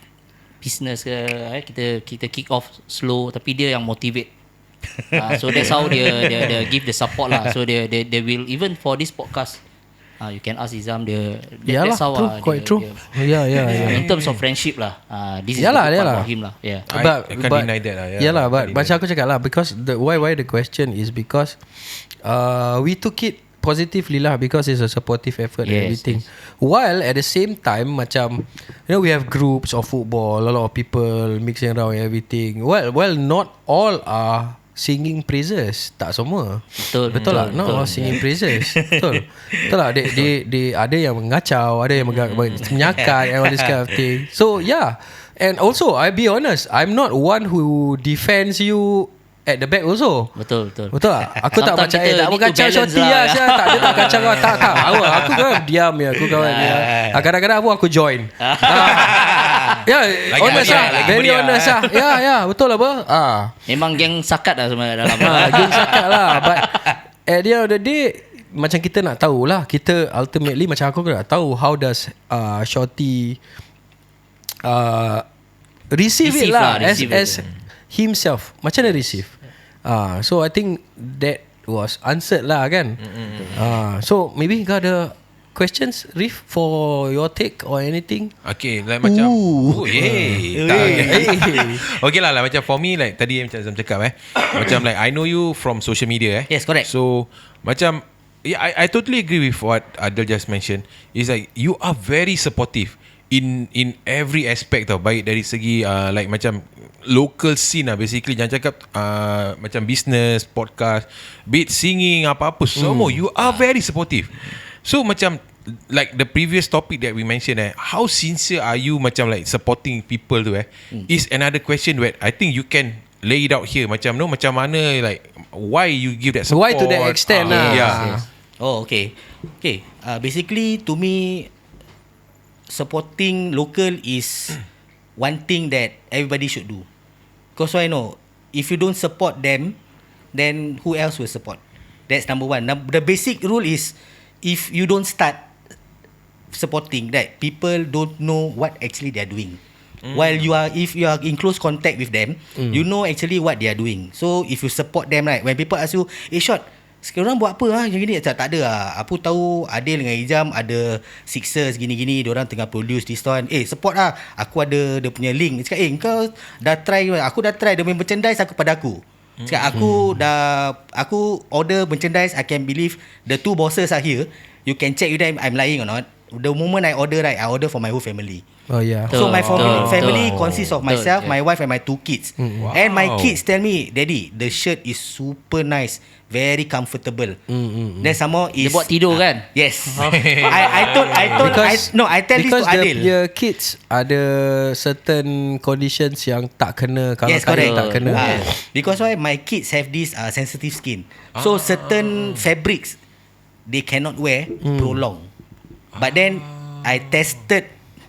[SPEAKER 3] business ke, eh, kita kita kick off slow, tapi dia yang motivate. Uh, so that's how dia dia, dia give the support lah. So dia dia they will even for this podcast, uh, you can ask Izam dia.
[SPEAKER 1] Yalah,
[SPEAKER 3] That's how
[SPEAKER 1] true,
[SPEAKER 3] uh,
[SPEAKER 1] quite
[SPEAKER 3] dia,
[SPEAKER 1] true.
[SPEAKER 3] Dia,
[SPEAKER 1] Yeah, yeah, yeah.
[SPEAKER 3] in terms of friendship lah, uh, this is
[SPEAKER 1] Yalah,
[SPEAKER 3] the good part
[SPEAKER 1] yalah.
[SPEAKER 3] about him lah. Yeah.
[SPEAKER 8] I-
[SPEAKER 1] But,
[SPEAKER 8] I can't
[SPEAKER 1] but,
[SPEAKER 8] deny that lah, yeah.
[SPEAKER 1] Yeah lah,
[SPEAKER 8] I
[SPEAKER 1] but
[SPEAKER 8] can't
[SPEAKER 1] macam
[SPEAKER 8] deny
[SPEAKER 1] aku cakap lah, because the why why the question is because uh, we took it positively lah, because it's a supportive effort and
[SPEAKER 3] Yes,
[SPEAKER 1] everything. While at the same time, macam you know, we have groups of football, a lot of people mixing around and everything. Well, well, not all are singing praises, tak semua.
[SPEAKER 3] Betul,
[SPEAKER 1] betul lah,
[SPEAKER 3] betul,
[SPEAKER 1] not
[SPEAKER 3] betul.
[SPEAKER 1] all singing praises. Betul, betul lah. They, they, they ada yang mengacau, ada yang mengga- menyakat and all this kind of thing. So yeah, and also I be honest, I'm not one who defends you at the back also.
[SPEAKER 3] Betul, betul.
[SPEAKER 1] Betul tak? Aku tak
[SPEAKER 3] Sometimes
[SPEAKER 1] macam
[SPEAKER 3] kita
[SPEAKER 1] eh, tak
[SPEAKER 3] need
[SPEAKER 1] mau
[SPEAKER 3] to
[SPEAKER 1] kacau
[SPEAKER 3] balance
[SPEAKER 1] Shorty
[SPEAKER 3] lah,
[SPEAKER 1] lah,
[SPEAKER 3] ya.
[SPEAKER 1] sial. Tak, dia tak kacau kau. Tak, tak. Aku, aku kan diam ya. Aku kawan dia. Ah, kadang-kadang pun aku join. Ah. Ya,
[SPEAKER 8] Lagi
[SPEAKER 1] honest
[SPEAKER 8] meriah,
[SPEAKER 1] lah.
[SPEAKER 8] lagi
[SPEAKER 1] Very
[SPEAKER 8] meriah.
[SPEAKER 1] honest lah. Ya, ya. Betul lah, apa? Ah.
[SPEAKER 3] Memang geng sakat lah sebenarnya dalam.
[SPEAKER 1] Ha, geng sakat lah. But at the end of the day, macam kita nak tahu lah. Kita ultimately, macam aku nak tahu, how does uh, Shorty uh, receive,
[SPEAKER 3] Receive
[SPEAKER 1] it lah,
[SPEAKER 3] lah,
[SPEAKER 1] as,
[SPEAKER 3] receive
[SPEAKER 1] as
[SPEAKER 3] it.
[SPEAKER 1] himself. Macam mana receive? Uh, so I think that was answered lah kan. Uh, so maybe kau ada questions, Rif, for your take or anything?
[SPEAKER 8] Okay, like macam
[SPEAKER 1] Ooh.
[SPEAKER 8] oh, yeah. Tak, okay. Okay lah, like, macam for me, like tadi macam Zam cakap eh, macam like I know you from social media eh.
[SPEAKER 7] Yes, correct.
[SPEAKER 8] So macam yeah, I, I totally agree with what Adel just mentioned. It's like you are very supportive in in every aspect tau. Baik dari segi uh, like macam local scene lah basically. Jangan cakap uh, macam business, podcast, be it singing, apa-apa semua. You are very supportive. So macam like the previous topic that we mentioned eh, how sincere are you macam like supporting people tu eh, mm. is another question where I think you can lay it out here. Macam no, macam mana like why you give that support.
[SPEAKER 1] Why to that extent
[SPEAKER 8] uh,
[SPEAKER 1] lah.
[SPEAKER 8] Yeah.
[SPEAKER 7] Yes. Oh, okay. Okay. Uh, basically, to me, supporting local is one thing that everybody should do. Because I know, if you don't support them, then who else will support? That's number one. Now, the basic rule is, if you don't start supporting, that people don't know what actually they are doing. Mm. While you are, if you are in close contact with them, mm. you know actually what they are doing. So if you support them, right, when people ask you, eh Shot, sekarang buat apa ah? Gini-gini, tak, tak ada lah. Aku tahu Adil dengan Ijam ada Sixers gini-gini, diorang tengah produce this one. Eh support lah. Aku ada dia punya link. Cakap, eh kau dah try, aku dah try dia punya merchandise aku pada aku. Cakap, aku hmm. dah, aku order merchandise, I can believe the two bosses are here. You can check with them I'm lying or not. The moment I order, right, I order for my whole family.
[SPEAKER 1] Oh yeah.
[SPEAKER 7] So my
[SPEAKER 3] Betul,
[SPEAKER 7] family,
[SPEAKER 3] betul,
[SPEAKER 7] family
[SPEAKER 3] betul.
[SPEAKER 7] consists of myself,
[SPEAKER 3] Betul,
[SPEAKER 7] my wife and my two kids.
[SPEAKER 1] Mm.
[SPEAKER 7] And my
[SPEAKER 8] Wow.
[SPEAKER 7] kids tell me, Daddy, the shirt is super nice, very comfortable.
[SPEAKER 1] Mm, mm, mm.
[SPEAKER 7] Then some more is
[SPEAKER 3] Dia buat tidur kan?
[SPEAKER 7] Yes. I I told I told I, no I tell this to
[SPEAKER 1] because
[SPEAKER 7] Adil.
[SPEAKER 1] the kids ada certain conditions yang tak kena kalau
[SPEAKER 7] Yes,
[SPEAKER 1] tak
[SPEAKER 7] correct.
[SPEAKER 1] tak kena.
[SPEAKER 7] Ah, because why my kids have this uh, sensitive skin. So certain fabrics they cannot wear prolong. But then I tested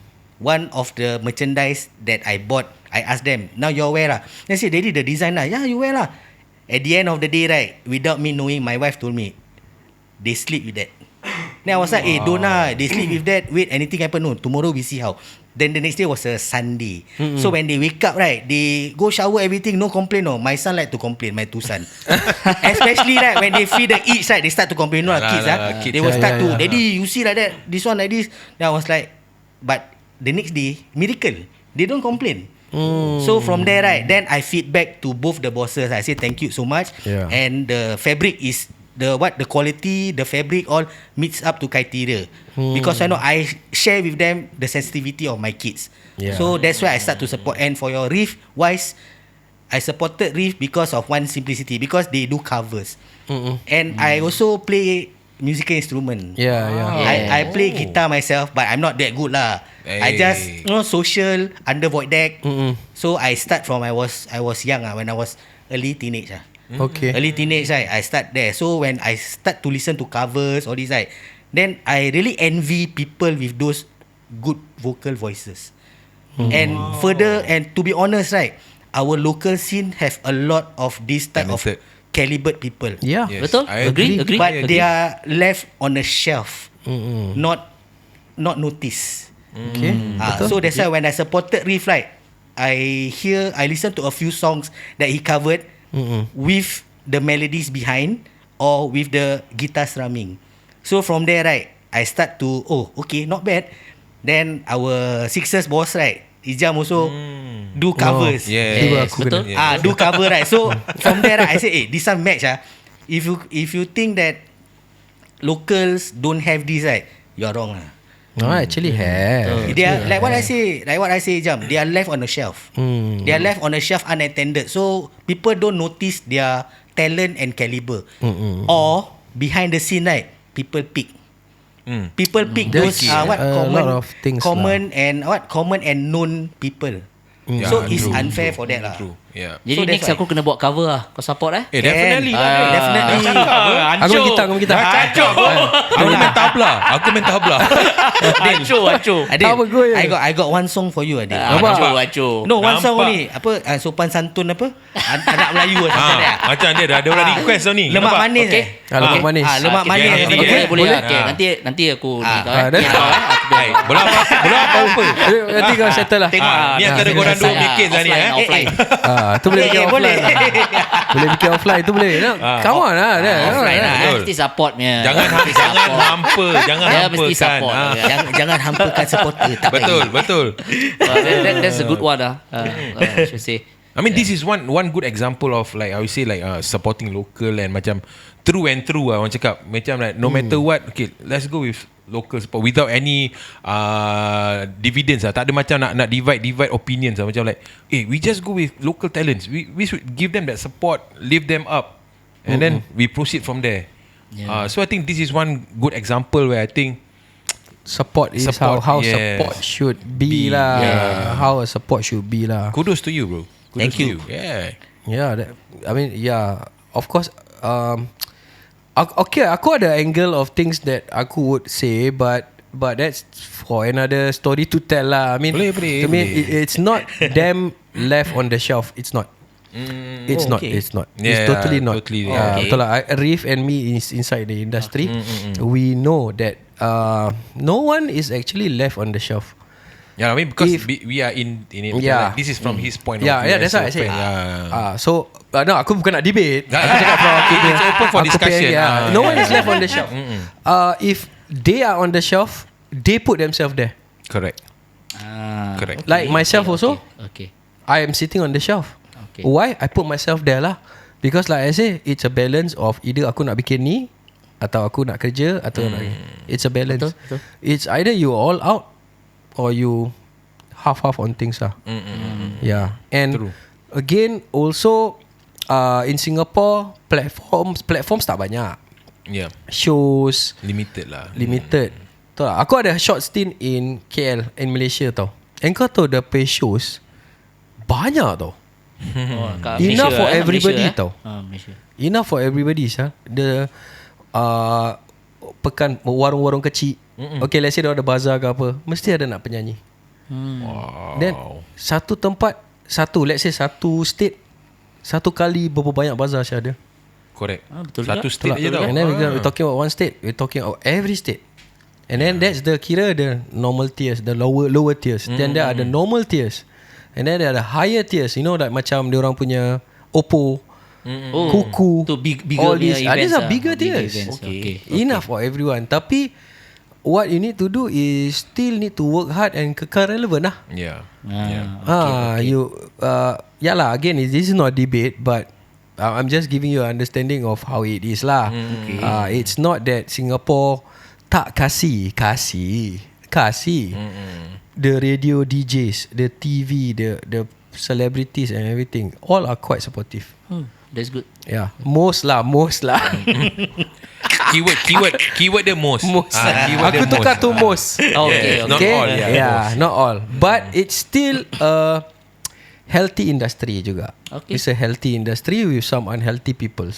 [SPEAKER 7] one of the merchandise that I bought. I asked them, now you wear lah. They say, Daddy, the design lah. Yeah, you wear lah. At the end of the day, right, without me knowing, my wife told me, they sleep with that. Then I was like, eh, don't lah. They sleep with that. Wait, anything happen? No, tomorrow we see how. Then the next day was a Sunday. Mm-hmm. So when they wake up, right, they go shower, everything, no complain. No, my son like to complain, my two son. Especially right, when they feed the eats, right, they start to complain. No, lah, kids,
[SPEAKER 8] lah,
[SPEAKER 7] ah,
[SPEAKER 8] kids,
[SPEAKER 7] they will
[SPEAKER 1] yeah,
[SPEAKER 7] start
[SPEAKER 1] yeah,
[SPEAKER 7] to,
[SPEAKER 1] yeah.
[SPEAKER 7] Daddy, you see like that, this one like this. Then I was like, but the next day, miracle, they don't complain. Mm. So from there, right, then I feedback to both the bosses. I say thank you so much.
[SPEAKER 1] Yeah.
[SPEAKER 7] And the fabric is the what the quality, the fabric all meets up to criteria. Hmm. Because I know I share with them the sensitivity of my kids.
[SPEAKER 1] Yeah.
[SPEAKER 7] So that's why I start to support. And for your Reef wise, I supported Reef because of one simplicity, because they do covers. Mm-mm. And mm. I also play musical instrument.
[SPEAKER 1] Yeah, yeah.
[SPEAKER 7] I, I play guitar myself, but I'm not that good lah.
[SPEAKER 8] Hey.
[SPEAKER 7] I just you know social under void deck.
[SPEAKER 1] Mm-mm.
[SPEAKER 7] So I start from I was I was young ah, when I was early teenage ah.
[SPEAKER 1] Okay.
[SPEAKER 7] Early teenage, right, I start there. So when I start to listen to covers, all this, right, then I really envy people with those good vocal voices. Mm. And further, and to be honest, right, our local scene have a lot of this type
[SPEAKER 8] Talented.
[SPEAKER 7] of calibered people.
[SPEAKER 1] Yeah.
[SPEAKER 8] Yes,
[SPEAKER 3] Betul?
[SPEAKER 8] I
[SPEAKER 3] Agree,
[SPEAKER 8] agree.
[SPEAKER 3] agree.
[SPEAKER 7] But
[SPEAKER 3] agree.
[SPEAKER 7] they are left on a shelf,
[SPEAKER 1] Mm-mm.
[SPEAKER 7] not not noticed.
[SPEAKER 1] Okay.
[SPEAKER 7] Ah,
[SPEAKER 1] Betul.
[SPEAKER 7] so that's why when I supported Reef, right, I hear, I listen to a few songs that he covered
[SPEAKER 1] Mm-mm.
[SPEAKER 7] with the melodies behind or with the guitar strumming. So from there, right, I start to, oh, okay, not bad. Then our Sixers boss, right, Ijam also
[SPEAKER 8] Mm.
[SPEAKER 7] do covers.
[SPEAKER 8] Oh, yeah.
[SPEAKER 1] Tiba
[SPEAKER 3] Yes,
[SPEAKER 1] aku
[SPEAKER 3] betul.
[SPEAKER 1] kena.
[SPEAKER 7] Ah, do cover, right. So from there, right, I say, eh, this one match ah. If you if you think that locals don't have this, right, you are wrong lah.
[SPEAKER 1] No, actually have.
[SPEAKER 7] They are like what I say, like what I say, Jam. They are left on a shelf.
[SPEAKER 1] Hmm.
[SPEAKER 7] They are left on a shelf unattended. So people don't notice their talent and caliber.
[SPEAKER 1] Mm-mm.
[SPEAKER 7] Or behind the scene, right, people pick.
[SPEAKER 8] Mm.
[SPEAKER 7] People pick
[SPEAKER 1] There's
[SPEAKER 7] those uh, what
[SPEAKER 1] a
[SPEAKER 7] common,
[SPEAKER 1] lot of things
[SPEAKER 7] common and what common and known people.
[SPEAKER 8] Yeah,
[SPEAKER 7] So it's
[SPEAKER 8] true,
[SPEAKER 7] unfair
[SPEAKER 8] true,
[SPEAKER 7] for that lah.
[SPEAKER 8] True. Yeah.
[SPEAKER 3] Jadi
[SPEAKER 7] So that's
[SPEAKER 3] next
[SPEAKER 7] why-
[SPEAKER 3] aku kena buat cover lah. Kau support eh?
[SPEAKER 8] Eh, definitely.
[SPEAKER 7] Can.
[SPEAKER 8] lah.
[SPEAKER 7] Ah, definitely.
[SPEAKER 1] Aku main gitar, aku main gitar.
[SPEAKER 8] Kacau. Aku main tabla. Aku main tabla.
[SPEAKER 3] Acuh, acuh.
[SPEAKER 7] Adil,
[SPEAKER 1] Apa gue?
[SPEAKER 7] I got I got one song for you, Adil.
[SPEAKER 3] Acuh, acuh.
[SPEAKER 7] No, one song
[SPEAKER 8] Nampak.
[SPEAKER 7] only. Apa uh, sopan santun apa? An- Anak Melayu atau macam
[SPEAKER 8] Ha,
[SPEAKER 7] mana?
[SPEAKER 8] macam dia dah ada orang
[SPEAKER 7] Ah.
[SPEAKER 8] request tau ni.
[SPEAKER 7] Lemak
[SPEAKER 8] Nampak?
[SPEAKER 7] manis
[SPEAKER 3] Okay.
[SPEAKER 7] eh.
[SPEAKER 1] Ah, lemak manis.
[SPEAKER 7] Ah, lemak
[SPEAKER 3] Okay,
[SPEAKER 7] manis.
[SPEAKER 8] okay,
[SPEAKER 3] Boleh,
[SPEAKER 8] okay.
[SPEAKER 3] boleh, boleh.
[SPEAKER 8] Boleh?
[SPEAKER 3] Okay,
[SPEAKER 8] Ah.
[SPEAKER 3] nanti nanti aku ni
[SPEAKER 7] Ah,
[SPEAKER 3] kau
[SPEAKER 1] ah,
[SPEAKER 3] eh.
[SPEAKER 1] dah.
[SPEAKER 3] Ni kau eh. Aku biar
[SPEAKER 8] Hai, bola apa? Bola apa apa?
[SPEAKER 1] Nanti kau settle lah.
[SPEAKER 3] Tengok
[SPEAKER 8] Ah, ni
[SPEAKER 3] ah,
[SPEAKER 8] antara
[SPEAKER 3] ah,
[SPEAKER 8] korang dua
[SPEAKER 3] saya
[SPEAKER 8] bikin lah ni,
[SPEAKER 3] offline,
[SPEAKER 8] eh.
[SPEAKER 3] Offline.
[SPEAKER 1] Ah, tu boleh
[SPEAKER 7] Eh,
[SPEAKER 1] bikin
[SPEAKER 7] eh, boleh.
[SPEAKER 1] offline. Boleh bikin offline tu boleh. No,
[SPEAKER 8] Ah,
[SPEAKER 1] come on lah. dah.
[SPEAKER 3] Offline lah.
[SPEAKER 8] Betul.
[SPEAKER 3] Mesti supportnya.
[SPEAKER 8] Jangan
[SPEAKER 3] Mesti
[SPEAKER 8] jangan
[SPEAKER 3] support.
[SPEAKER 8] hampa, jangan
[SPEAKER 3] Dia
[SPEAKER 8] hampa
[SPEAKER 3] mesti
[SPEAKER 8] kan.
[SPEAKER 3] support.
[SPEAKER 8] Ah.
[SPEAKER 3] Okay.
[SPEAKER 7] Jangan jangan hampakan supporter tak
[SPEAKER 8] Betul,
[SPEAKER 7] baik.
[SPEAKER 8] betul.
[SPEAKER 3] Uh, that, that, that's a good one ah. Uh, uh, I should say.
[SPEAKER 8] I mean, yeah. this is one one good example of like I would say like uh, supporting local and macam true and true lah orang cakap. Macam like no hmm. matter what, okay, let's go with local support without any uh, dividends lah. Tak ada macam nak nak divide divide opinions lah. Macam like, eh, we just go with local talents. We we should give them that support, lift them up, and mm-hmm. then we proceed from there. Yeah. Uh, so I think this is one good example where I think
[SPEAKER 1] support is
[SPEAKER 8] support,
[SPEAKER 1] how how
[SPEAKER 8] yes.
[SPEAKER 1] support should be, be lah. Yeah. How a support should be lah.
[SPEAKER 8] Kudos to you, bro. Kudos
[SPEAKER 7] Thank
[SPEAKER 8] to
[SPEAKER 7] you.
[SPEAKER 8] you. Yeah.
[SPEAKER 1] Yeah, that, I mean, yeah, of course. Um, okay, aku ada angle of things that aku would say, but but that's for another story to tell lah. I mean,
[SPEAKER 8] boleh, boleh,
[SPEAKER 1] to me,
[SPEAKER 8] boleh.
[SPEAKER 1] it, it's not them left on the shelf. It's not. Mm, it's
[SPEAKER 7] oh,
[SPEAKER 1] not.
[SPEAKER 7] okay.
[SPEAKER 1] It's not.
[SPEAKER 8] Yeah,
[SPEAKER 1] it's totally not.
[SPEAKER 8] Totally,
[SPEAKER 1] Uh,
[SPEAKER 7] yeah. Okay.
[SPEAKER 1] betul lah. I- Reef and me is inside the industry.
[SPEAKER 8] Mm, mm, mm.
[SPEAKER 1] We know that uh, no one is actually left on the shelf.
[SPEAKER 8] Yeah, I mean because
[SPEAKER 1] If-
[SPEAKER 8] we, we are in in it.
[SPEAKER 1] Yeah.
[SPEAKER 8] Like, this is from his point
[SPEAKER 1] Yeah,
[SPEAKER 8] of view.
[SPEAKER 1] yeah, that's
[SPEAKER 8] as
[SPEAKER 1] what I
[SPEAKER 8] a
[SPEAKER 1] say.
[SPEAKER 8] fan. Yeah.
[SPEAKER 1] Ah, so uh, no, aku bukan nak debate.
[SPEAKER 8] Ah,
[SPEAKER 1] Aku cakap from aku
[SPEAKER 8] it's
[SPEAKER 1] punya-
[SPEAKER 8] open for
[SPEAKER 1] aku
[SPEAKER 8] discussion.
[SPEAKER 1] punya, yeah.
[SPEAKER 8] Ah,
[SPEAKER 1] No
[SPEAKER 8] yeah.
[SPEAKER 1] one is left on the shelf. Uh, if they are on the shelf, they put themselves there.
[SPEAKER 8] Correct.
[SPEAKER 3] Ah,
[SPEAKER 8] Correct.
[SPEAKER 1] Like myself
[SPEAKER 3] okay,
[SPEAKER 1] also,
[SPEAKER 3] Okay.
[SPEAKER 1] I am sitting on the shelf.
[SPEAKER 3] Okay.
[SPEAKER 1] Why? I put myself there lah. Because like I say, it's a balance of either aku nak bikin ni atau aku nak kerja atau nak, it's a balance.
[SPEAKER 3] Betul, betul.
[SPEAKER 1] It's either you all out or you half-half on things lah.
[SPEAKER 8] Mm-mm.
[SPEAKER 1] Yeah. And
[SPEAKER 8] True.
[SPEAKER 1] again, also uh, in Singapore, platforms platforms tak banyak.
[SPEAKER 8] Yeah.
[SPEAKER 1] Shows
[SPEAKER 8] Limited lah.
[SPEAKER 1] limited. Tahu tak? Aku ada short stint in K L, in Malaysia tau. And kau tahu the pay shows banyak tau.
[SPEAKER 3] Oh, kat
[SPEAKER 1] Enough
[SPEAKER 3] Malaysia,
[SPEAKER 1] for
[SPEAKER 3] eh?
[SPEAKER 1] everybody
[SPEAKER 3] Malaysia, eh?
[SPEAKER 1] tau.
[SPEAKER 3] Ah, Malaysia.
[SPEAKER 1] Enough for everybody sah. The uh, pekan warung-warung kecil. Mm-mm. Okay, let's say dia ada bazar ke apa, mesti ada nak penyanyi.
[SPEAKER 3] Hmm.
[SPEAKER 8] Wow.
[SPEAKER 1] Then satu tempat, satu let's say satu state, satu kali berapa banyak bazar Syah ada.
[SPEAKER 8] Correct.
[SPEAKER 3] Ah, betul
[SPEAKER 8] Satu
[SPEAKER 3] juga.
[SPEAKER 8] state
[SPEAKER 1] Betul
[SPEAKER 8] je
[SPEAKER 1] tak?
[SPEAKER 8] tau.
[SPEAKER 1] And then we're,
[SPEAKER 8] Ah.
[SPEAKER 1] we're talking about one state, we're talking about every state. And then that's the kira the normal tiers, the lower lower tiers. Mm. Then there are the normal tiers. And then there are the higher tiers. You know like macam dia orang punya Oppo,
[SPEAKER 3] Oh,
[SPEAKER 1] Kuku,
[SPEAKER 3] tu big, bigger
[SPEAKER 1] all
[SPEAKER 3] punya
[SPEAKER 1] these. Ah, these
[SPEAKER 3] events
[SPEAKER 1] are
[SPEAKER 3] lah.
[SPEAKER 1] bigger
[SPEAKER 3] Bigger
[SPEAKER 1] tiers.
[SPEAKER 3] events.
[SPEAKER 1] Okay.
[SPEAKER 3] Okay.
[SPEAKER 1] Enough for everyone. Tapi what you need to do is still need to work hard and kekal relevant lah.
[SPEAKER 8] Yeah.
[SPEAKER 3] Ah,
[SPEAKER 8] Yeah.
[SPEAKER 1] Ah, you uh, yeah lah. Again, this is not debate, but uh, I'm just giving you an understanding of how it is lah.
[SPEAKER 3] Okay.
[SPEAKER 1] Uh, it's not that Singapore tak kasih, kasih, kasih.
[SPEAKER 8] Mm-mm.
[SPEAKER 1] The radio D Js, the T V, the the celebrities and everything, all are quite supportive.
[SPEAKER 3] Hmm, that's good.
[SPEAKER 1] Yeah, most lah, most lah.
[SPEAKER 8] Keyword, keyword, keyword the most.
[SPEAKER 1] most.
[SPEAKER 8] Ah, keyword
[SPEAKER 1] Aku
[SPEAKER 8] the
[SPEAKER 1] tukar
[SPEAKER 8] most.
[SPEAKER 1] tu most.
[SPEAKER 3] Oh, okay,
[SPEAKER 8] Yes, not
[SPEAKER 1] Okay,
[SPEAKER 8] all, yeah.
[SPEAKER 1] yeah,
[SPEAKER 8] most.
[SPEAKER 1] not all. But it's still a healthy industry juga.
[SPEAKER 3] Okay.
[SPEAKER 1] It's a healthy industry with some unhealthy peoples.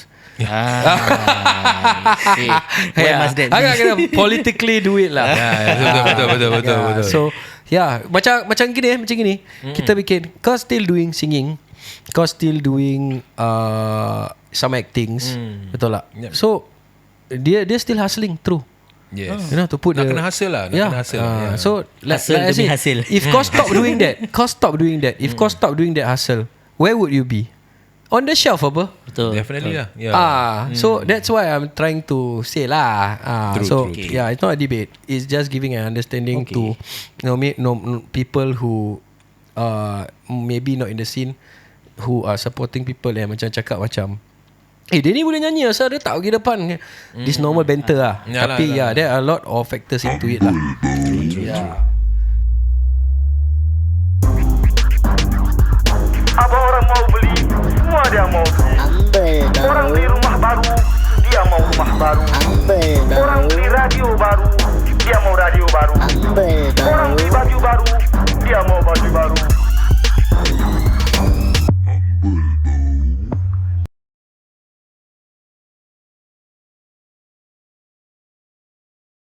[SPEAKER 3] Ah, okay.
[SPEAKER 7] Why must that be?
[SPEAKER 1] Agak kena politically do it lah.
[SPEAKER 8] Yeah, yeah, betul, betul, betul, betul,
[SPEAKER 1] Yeah,
[SPEAKER 8] betul.
[SPEAKER 1] So, yeah, macam macam gini eh, macam gini. Mm-hmm. Kita bikin, kau still doing singing, kau still doing uh, some actings,
[SPEAKER 8] Mm.
[SPEAKER 1] betul tak?
[SPEAKER 8] Yep.
[SPEAKER 1] So, dia dia still hustling through.
[SPEAKER 8] Yes.
[SPEAKER 1] You know, to put
[SPEAKER 8] Nak
[SPEAKER 1] the,
[SPEAKER 8] kena hustle lah, nak
[SPEAKER 1] yeah,
[SPEAKER 8] kena hustle.
[SPEAKER 1] uh,
[SPEAKER 8] Yeah.
[SPEAKER 1] So like,
[SPEAKER 7] Hustle
[SPEAKER 1] like I
[SPEAKER 7] demi
[SPEAKER 1] say,
[SPEAKER 7] hasil.
[SPEAKER 1] if kau stop doing that, kau stop doing that. If kau stop doing that hustle, where would you be? On the shelf apa?
[SPEAKER 3] Betul.
[SPEAKER 8] Definitely lah. Yeah.
[SPEAKER 1] Ah, so that's why I'm trying to say lah. Ah,
[SPEAKER 8] True,
[SPEAKER 1] so
[SPEAKER 8] true, true.
[SPEAKER 1] yeah, it's not a debate. It's just giving an understanding
[SPEAKER 7] Okay.
[SPEAKER 1] to, you know, me, no, no, people who, uh, maybe not in the scene, who are supporting people yang macam cakap macam, eh dia ni boleh nyanyi asal dia tak pergi depan. This normal banter lah.
[SPEAKER 8] Yalah,
[SPEAKER 1] Tapi
[SPEAKER 8] yalah.
[SPEAKER 1] yeah, there are a lot of factors into it lah. Yeah.
[SPEAKER 5] Apa orang mau beli, semua dia mau beli.
[SPEAKER 6] Humble
[SPEAKER 5] Orang
[SPEAKER 6] tau.
[SPEAKER 5] beli rumah baru, dia mau rumah baru.
[SPEAKER 6] Humble
[SPEAKER 5] Orang
[SPEAKER 6] tau.
[SPEAKER 5] beli radio baru, dia mau radio baru.
[SPEAKER 6] Humble
[SPEAKER 5] Orang
[SPEAKER 6] tau.
[SPEAKER 5] beli baju baru, dia mau baju baru.